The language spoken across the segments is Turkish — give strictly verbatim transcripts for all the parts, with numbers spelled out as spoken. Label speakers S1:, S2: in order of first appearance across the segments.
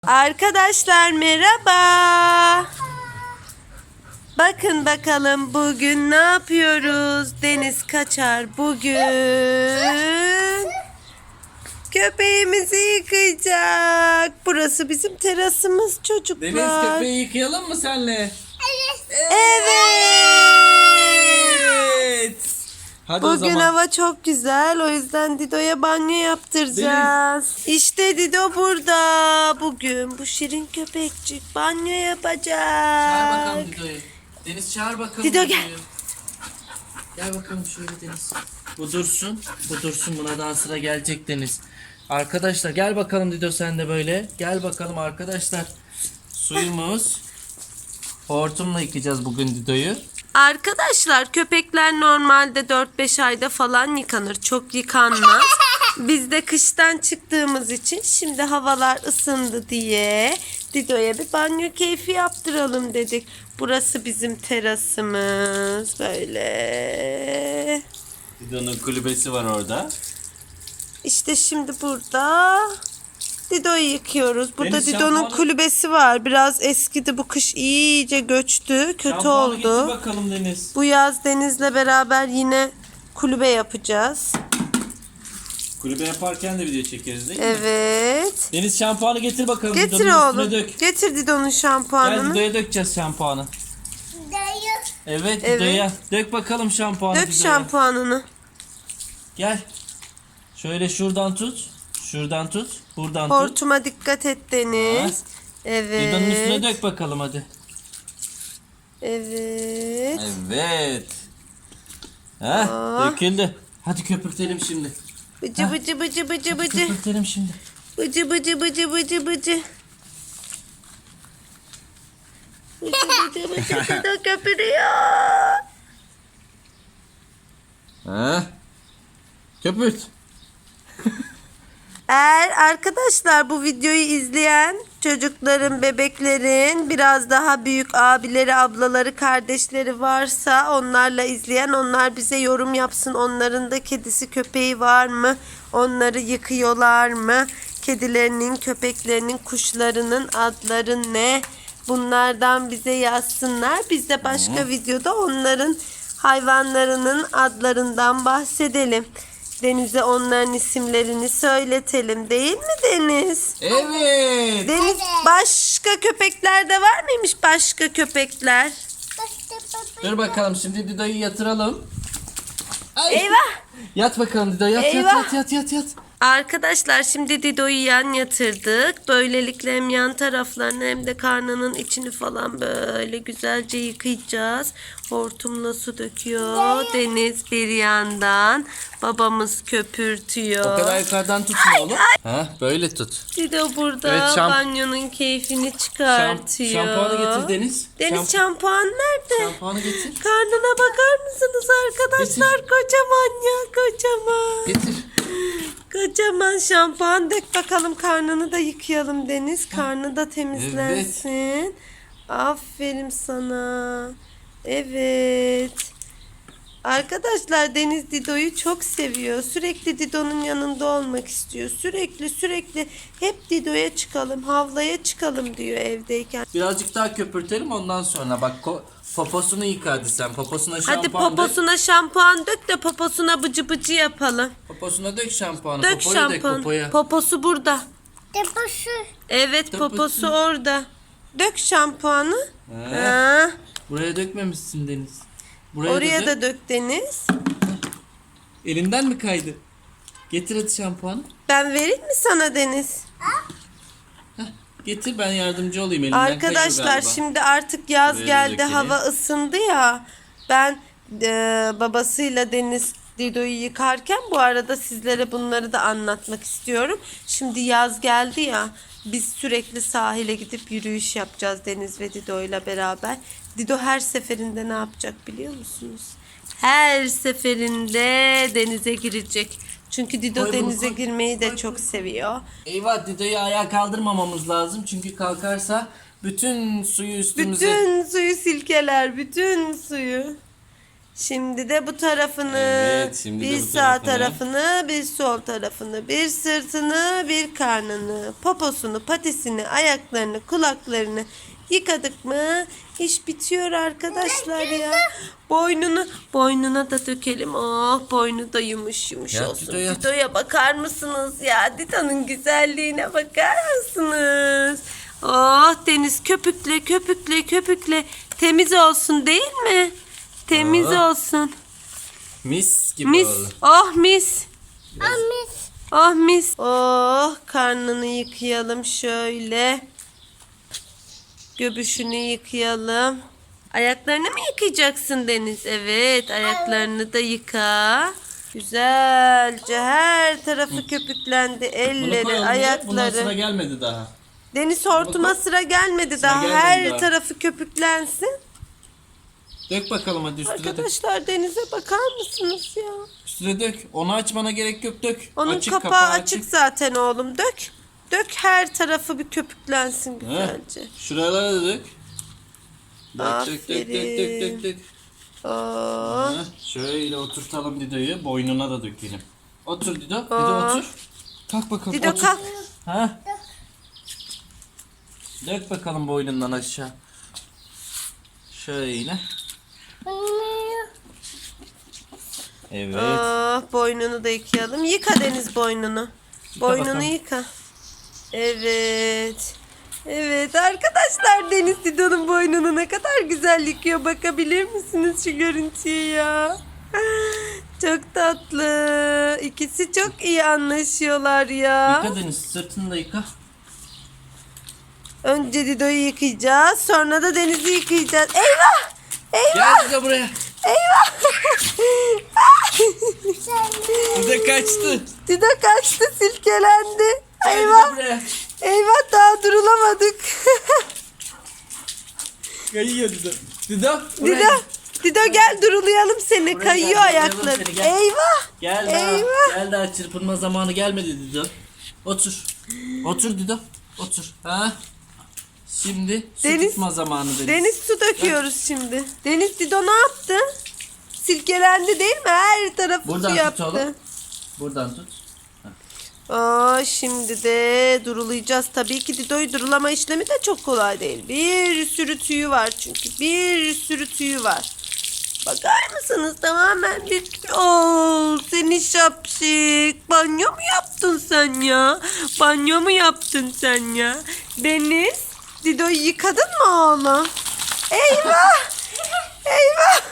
S1: Arkadaşlar merhaba. Bakın bakalım bugün ne yapıyoruz? Deniz Kaçar bugün köpeğimizi yıkayacak. Burası bizim terasımız çocuklar.
S2: Deniz, köpeği yıkayalım mı senle?
S1: Evet.
S2: Hadi o
S1: Bugün
S2: zaman.
S1: hava çok güzel. O yüzden Dido'ya banyo yaptıracağız. İşte Dido burada. Bugün bu şirin köpekçik banyo yapacak.
S2: Çağır bakalım Dido'yu. Deniz çağır bakalım
S1: Dido gel.
S2: Dido'yu. Gel bakalım şöyle Deniz. Bu dursun. Bu dursun, buna daha sıra gelecek Deniz. Arkadaşlar gel bakalım Dido, sen de böyle. Gel bakalım arkadaşlar. Suyumuz. Hortumla yıkayacağız bugün Dido'yu.
S1: Arkadaşlar köpekler normalde dört beş ayda falan yıkanır. Çok yıkanmaz. Biz de kıştan çıktığımız için şimdi havalar ısındı diye Dido'ya bir banyo keyfi yaptıralım dedik. Burası bizim terasımız. Böyle.
S2: Dido'nun kulübesi var orada.
S1: İşte şimdi burada Dido'yu yıkıyoruz. Burada
S2: Deniz,
S1: Dido'nun
S2: şampuanı-
S1: kulübesi var. Biraz eskidi. Bu kış iyice göçtü. Kötü
S2: Şampuanı getir
S1: oldu.
S2: bakalım Deniz.
S1: Bu yaz Deniz'le beraber yine kulübe yapacağız.
S2: Kulübe yaparken de video çekeriz değil mi?
S1: Evet.
S2: Deniz, şampuanı getir bakalım.
S1: Getir
S2: Dido'nun üstüne
S1: oğlum.
S2: dök.
S1: Getir Dido'nun
S2: Gel
S1: şampuanını.
S2: Dido'ya dökeceğiz şampuanı. Evet,
S1: Evet.
S2: Dido'ya. Dök bakalım şampuanı
S1: Dök
S2: Dido'ya.
S1: şampuanını.
S2: Gel. Şöyle şuradan tut. Şuradan tut. Buradan tut.
S1: Hortuma dikkat et Deniz.
S2: Dido'nun üstüne
S1: Evet.
S2: dök bakalım hadi.
S1: Evet.
S2: Evet. Heh,
S1: Aa.
S2: döküldü. Hadi köpürtelim şimdi.
S1: Bıcı bıcı bıcı bıcı
S2: Hadi
S1: bıcı.
S2: köpürtelim şimdi.
S1: Bıcı bıcı bıcı bıcı bıcı. Bıcı bıcı bıcı Dido köpürüyor.
S2: Heh. Köpürt.
S1: Eğer arkadaşlar bu videoyu izleyen çocukların, bebeklerin biraz daha büyük abileri, ablaları, kardeşleri varsa onlarla izleyen, onlar bize yorum yapsın. Onların da kedisi, köpeği var mı? Onları yıkıyorlar mı? Kedilerinin, köpeklerinin, kuşlarının adları ne? Bunlardan bize yazsınlar. Biz de başka videoda onların hayvanlarının adlarından bahsedelim. Deniz'e onların isimlerini söyletelim, değil mi Deniz?
S2: Evet.
S1: Deniz, başka köpekler de var mıymış, başka köpekler?
S2: Dur bakalım, şimdi Dido'yu yatıralım. Ay.
S1: Eyvah!
S2: Yat bakalım Dido, yat, yat
S1: Eyvah.
S2: yat yat yat yat.
S1: Arkadaşlar şimdi Dido'yu yan yatırdık. Böylelikle hem yan taraflarını hem de karnının içini falan böyle güzelce yıkayacağız. Hortumla su döküyor Deniz bir yandan. Babamız köpürtüyor.
S2: O kadar yukarıdan tutma oğlum. Ha, böyle tut.
S1: Dido burada
S2: Evet, şamp-
S1: banyonun keyfini
S2: Şam-
S1: çıkartıyor.
S2: şampuanı getir Deniz.
S1: Deniz
S2: Şamp-
S1: şampuan nerede?
S2: Şampuanı getir.
S1: Karnına bakar mısınız arkadaşlar? Kocaman ya, kocaman.
S2: Getir.
S1: Kocaman şampuan. Dök bakalım, karnını da yıkayalım Deniz. Karnı da temizlensin. Aferin sana. Evet. Arkadaşlar Deniz Dido'yu çok seviyor. Sürekli Dido'nun yanında olmak istiyor. Sürekli sürekli hep Dido'ya çıkalım, havlaya çıkalım diyor evdeyken.
S2: Birazcık daha köpürtelim, ondan sonra bak ko- poposunu yıka hadi sen. Poposuna şampuan
S1: Hadi
S2: dök.
S1: poposuna şampuan dök de poposuna bıcı bıcı yapalım.
S2: Poposuna dök şampuanı.
S1: Dök
S2: Popoya dök
S1: şampuan.
S2: popoya.
S1: Poposu burada.
S3: Deposu.
S1: Evet,
S2: Poposu.
S1: poposu orada. Dök şampuanı.
S2: He.
S1: Ha.
S2: Buraya dökmemişsin Deniz. Buraya
S1: Oraya
S2: da,
S1: da
S2: dök.
S1: dök Deniz.
S2: Elinden mi kaydı? Getir hadi şampuanı.
S1: Ben vereyim mi sana Deniz?
S2: Getir, ben yardımcı olayım, elinden kayıyor
S1: Arkadaşlar
S2: galiba.
S1: şimdi artık yaz
S2: Buraya da
S1: geldi,
S2: dökelim.
S1: hava ısındı ya. Ben e, babasıyla Deniz Dido'yu yıkarken bu arada sizlere bunları da anlatmak istiyorum. Şimdi yaz geldi ya, biz sürekli sahile gidip yürüyüş yapacağız Deniz ve Dido ile beraber. Dido her seferinde ne yapacak biliyor musunuz? Her seferinde denize girecek. Çünkü Dido
S2: Koy bunu,
S1: denize
S2: koy.
S1: girmeyi de
S2: Koy,
S1: çok seviyor.
S2: Eyvah, Dido'yu ayağa kaldırmamamız lazım. Çünkü kalkarsa bütün suyu üstümüze...
S1: Bütün suyu silkeler, bütün suyu. Şimdi de bu tarafını,
S2: Evet, şimdi de
S1: bir
S2: bu
S1: sağ
S2: tarafını.
S1: tarafını, bir sol tarafını, bir sırtını, bir karnını, poposunu, patisini, ayaklarını, kulaklarını yıkadık mı? İş bitiyor arkadaşlar ya. Boynunu, boynuna da dökelim. Oh, boynu da yumuş yumuş
S2: Yat,
S1: olsun.
S2: Dido, yat.
S1: Dido'ya bakar mısınız ya? Dido'nun güzelliğine bakar mısınız? Oh, deniz köpükle, köpükle, köpükle. Temiz olsun değil mi? Temiz
S2: Oh.
S1: olsun.
S2: Mis gibi
S1: Mis.
S2: oldu.
S1: Oh mis.
S3: Amis.
S1: Oh mis. Oh, karnını yıkayalım şöyle. Göbüşünü yıkayalım. Ayaklarını mı yıkayacaksın Deniz? Evet, ayaklarını da yıka. Güzelce her tarafı köpüklendi.
S2: Bunu
S1: Elleri,
S2: koyalım ya. Bundan sıra
S1: ayakları.
S2: gelmedi daha.
S1: Deniz hortuma
S2: Bunu koy.
S1: sıra gelmedi
S2: Sıra
S1: daha.
S2: gelmedi
S1: Her
S2: daha.
S1: tarafı köpüklensin.
S2: Dök bakalım hadi üstüne dök.
S1: Arkadaşlar denize bakar mısınız ya?
S2: Üstüne dök. Onu açmana gerek yok, dök.
S1: Onun
S2: Açık,
S1: kapağı, açık zaten oğlum. Dök. Dök, her tarafı bir köpüklensin
S2: Heh.
S1: güzelce.
S2: Şuralara da dök. Dök dök dök dök dök dök dök.
S1: Oh.
S2: Heh, şöyle oturtalım Dido'yu. Boynuna da dökelim. Otur Dido. Dido
S1: Aa.
S2: otur. Kalk bakalım.
S1: Dido
S2: otur.
S1: kalk.
S2: Ha? Dök bakalım boynundan aşağı. Şöyle. Evet.
S1: Oh, boynunu da yıkayalım. Yıka Deniz boynunu. Boynunu
S2: bakalım.
S1: yıka. Evet. Evet arkadaşlar, Deniz Dido'nun boynunu ne kadar güzel yıkıyor. Bakabilir misiniz şu görüntüye ya? Çok tatlı. İkisi çok iyi anlaşıyorlar ya.
S2: Yıka Deniz, sırtını da yıka.
S1: Önce Dido'yu yıkayacağız. Sonra da Deniz'i yıkayacağız. Eyvah! Eyvah!
S2: Gel Dido buraya.
S1: Eyvah!
S2: Dido kaçtı.
S1: Dido kaçtı, silkelendi.
S2: Gel
S1: Eyvah!
S2: Dido buraya.
S1: Eyvah, daha durulamadık.
S2: Kayıyor Dido. Dido buraya.
S1: Dido, Dido gel durulayalım seni.
S2: Buraya
S1: Kayıyor
S2: gel, durulayalım
S1: ayakları.
S2: seni, gel.
S1: Eyvah!
S2: Gel daha.
S1: Eyvah!
S2: Gel daha, çırpınma zamanı gelmedi Dido. Otur. Otur Dido. Otur. Ha? Şimdi su
S1: Deniz-
S2: tutma zamanı Deniz.
S1: Deniz su döküyoruz şimdi. Deniz, Dido ne yaptı? Silkelendi değil mi? Her tarafı
S2: Buradan
S1: su
S2: tut
S1: yaptı.
S2: oğlum. Buradan tut.
S1: Aa, şimdi de durulayacağız. Tabii ki Dido'yu durulama işlemi de çok kolay değil. Bir sürü tüyü var çünkü. Bir sürü tüyü var. Bakar mısınız? Tamamen bir... Oo, seni şapşik. Banyo mu yaptın sen ya? Banyo mu yaptın sen ya? Deniz, Dido'yu yıkadın mı oğlum? Eyvah! Eyvah!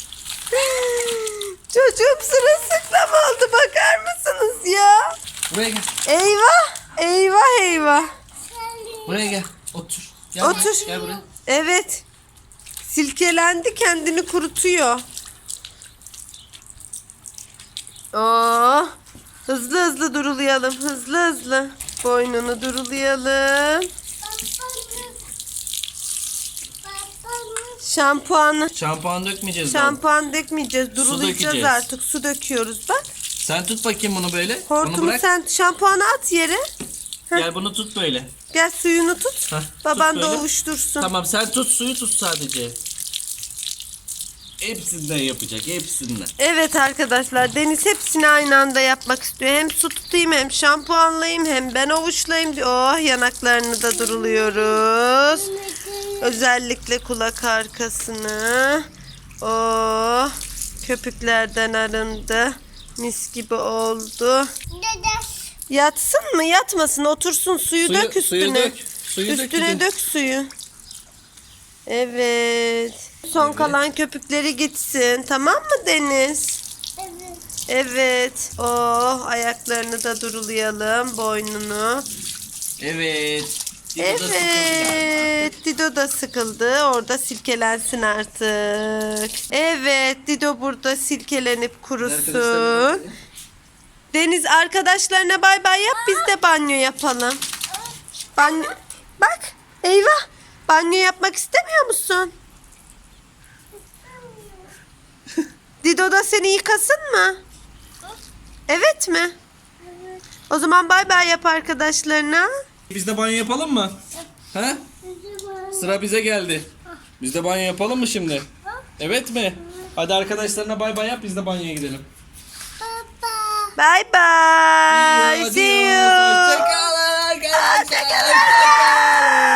S1: Çocuğum sırılsıklam oldu. Bakar mısınız ya?
S2: Buraya gel.
S1: Eyvah! Eyvah eyvah!
S2: Buraya gel. Otur. Gel
S1: Otur.
S2: Buraya. Gel buraya.
S1: Evet. Silkelendi, kendini kurutuyor. Oh, hızlı hızlı durulayalım. Hızlı hızlı. Boynunu durulayalım. Şampuanı.
S2: Şampuan dökmeyeceğiz. daha.
S1: Şampuan dökmeyeceğiz. Durulayacağız
S2: dökeceğiz.
S1: artık. Su döküyoruz bak.
S2: Sen tut bakayım bunu böyle. bunu
S1: Hortumu
S2: bırak.
S1: sen şampuanı at yere.
S2: Gel bunu tut böyle.
S1: Gel suyunu tut.
S2: Heh,
S1: Baban
S2: tut
S1: da
S2: böyle.
S1: ovuştursun.
S2: Tamam, sen tut, suyu tut sadece. Hepsinden yapacak, hepsinden.
S1: Evet arkadaşlar, Deniz hepsini aynı anda yapmak istiyor. Hem su tutayım, hem şampuanlayayım, hem ben ovuşlayayım diyor. Oh, yanaklarını da duruluyoruz. Özellikle kulak arkasını. Oh, köpüklerden arındı. Mis gibi oldu. Yatsın mı yatmasın, otursun, suyu,
S2: Suyu-
S1: dök üstüne.
S2: suyu dök, suyu dök
S1: üstüne
S2: gidin.
S1: dök suyu. Evet. Son
S2: Evet.
S1: kalan köpükleri gitsin. Tamam mı Deniz? Evet. Oh, ayaklarını da durulayalım. Boynunu.
S2: Evet. Dido da sıkıldı galiba.
S1: Evet. Dido da sıkıldı. Orada silkelensin artık. Evet. Dido burada silkelenip kurusun.
S2: Arkadaşlar,
S1: Deniz, arkadaşlarına bay bay yap. Biz de banyo yapalım. Banyo. Bak. Eyvah. Banyo yapmak istemiyor musun? Dido da seni yıkasın mı? Evet mi? O zaman bay bay yap arkadaşlarına.
S2: Biz de banyo yapalım mı? Ha? Sıra bize geldi. Biz de banyo yapalım mı şimdi? Evet mi?
S3: Hadi arkadaşlarına bay bay yap, biz de banyoya gidelim.
S1: Bye bye. See you.
S2: Hoşçakalın arkadaşlar. Hoşçakalın.